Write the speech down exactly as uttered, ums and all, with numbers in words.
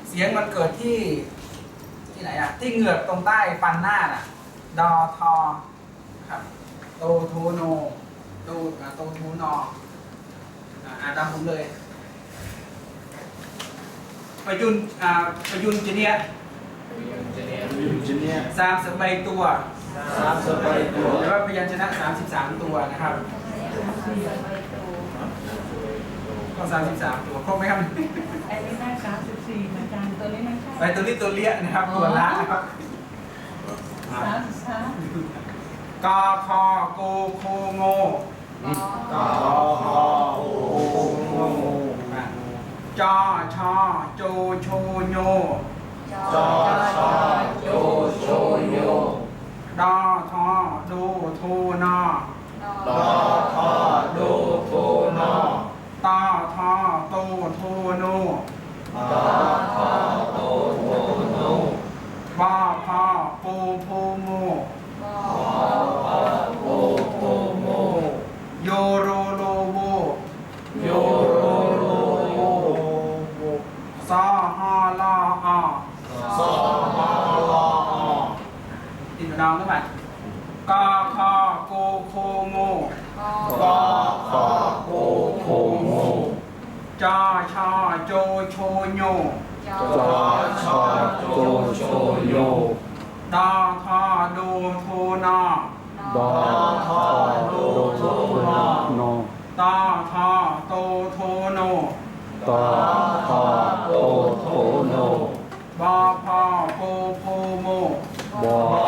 เสียงมันเกิดที่ที่ไหนอะที่เหงือกตรงใต้ฟันหน้าน่ะดอทอครับโตทูโนโตโตทูนออ่านตามผมเลยประยุนอ่าประยุนจีเนียสามสิบใบตัวสามสิบใบตัวหรือว่าพยัญชนะสามสิบสามตัวนะครับก็สามสิบสามตัวครบไหมครับไอ้นี่น่าสามสิบสี่อาจารย์ตัวนี้ไม่ใช่ใบตัวนี้ตัวเลี้ยนะครับตัวละนะครับสามสิบสามกอคอกูโคโงกอฮอโอโงจอชอโจโชโยจอชอโจโชโยดอทอดูโทนอดอทอดูโทนอตอทอโตโทโนดอทอโตโทโนบอพอปูภูโมพอพอโอโอโมโยโรโลโวโยโรโลโวซอฮอลออซอฮอลออติดดองขึ้นมากอคอกูโคโงกอขอโกโคโมจอชอโจโชโยจอชอโจโชโยดอทอดูโทนอดอดอทอดูโทนอโนตอทอโตโทโนตอทอโตโทโนบอพอปูภูโมบอ